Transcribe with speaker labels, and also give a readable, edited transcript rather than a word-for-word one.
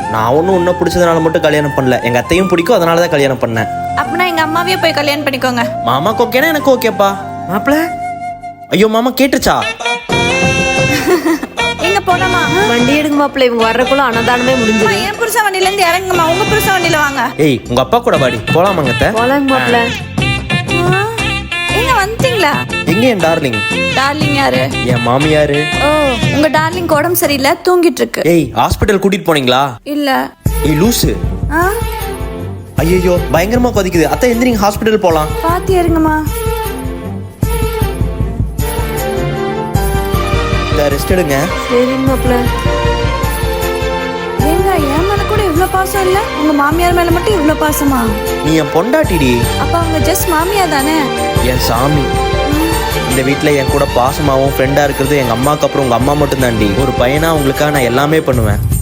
Speaker 1: நான் ஒன்றும் உன்னை பிடிச்சதுனால மட்டும் கல்யாணம் பண்ணல, எங்க அத்தையும் பிடிக்கும், அதனால தான் கல்யாணம் பண்ணேன்.
Speaker 2: அப்படின்னா எங்க அம்மாவே போய் கல்யாணம் பண்ணிக்கோங்க.
Speaker 1: மாமாக்கு ஓகேனா எனக்கு ஓகேப்பா. மாப்பிள்ள ஐயோ மாமா கேட்டுச்சா?
Speaker 2: எங்க போலாமா?
Speaker 3: வண்டி எடுங்க மாப்பிள்ள, இவங்க வர்றக்குள்ள அன்னதானமே முடிஞ்சிடும்.
Speaker 2: என் புருஷ வண்டியில இருந்து இறங்குமா, உங்க புருஷ வண்டியில வாங்க.
Speaker 1: ஏய் உங்க அப்பா கூட வாடி போலாமாங்க அத்தை?
Speaker 3: போலாங்க மாப்பிள்ள.
Speaker 2: எங்க வந்துட்டீங்களா?
Speaker 1: எங்க என் டார்லிங்?
Speaker 2: டார்லிங் யாரு?
Speaker 1: என் மாமியாரு.
Speaker 2: ஓ, உங்க டார்லிங் உடம்பு சரியில்லை, தூங்கிட்டு இருக்கு.
Speaker 1: ஏய் ஹாஸ்பிட்டல் கூட்டிட்டு போனீங்களா?
Speaker 2: இல்ல.
Speaker 1: ஏய் லூசு. ஐயோ பயங்கரமா கொதிக்குது அத்தை, எந்திரிங்க ஹாஸ்பிட்டல் போலாம்.
Speaker 2: பாத்து இறங்குமா.
Speaker 1: ரெஸ்ட் எடுங்க.
Speaker 3: சரிங்க மாப்பிள்ள.
Speaker 2: ஏங்க என் மேல கூட இவ்வளவு பாசம் இல்ல, உங்க மாமியார் மேல மட்டும் இவ்வளவு பாசமா?
Speaker 1: நீ என் பொண்டாட்டிடி.
Speaker 2: அப்ப அவங்க ஜஸ்ட் மாமியார் தானே?
Speaker 1: என் சாமி. இந்த வீட்டில் என் கூட பாசமாகவும் ஃப்ரெண்டாக இருக்கிறது எங்கள் அம்மாவுக்கு அப்புறம் உங்கள் அம்மா மட்டும் தாண்டி. ஒரு பையனா உங்களுக்காக நான் எல்லாமே பண்ணுவேன்.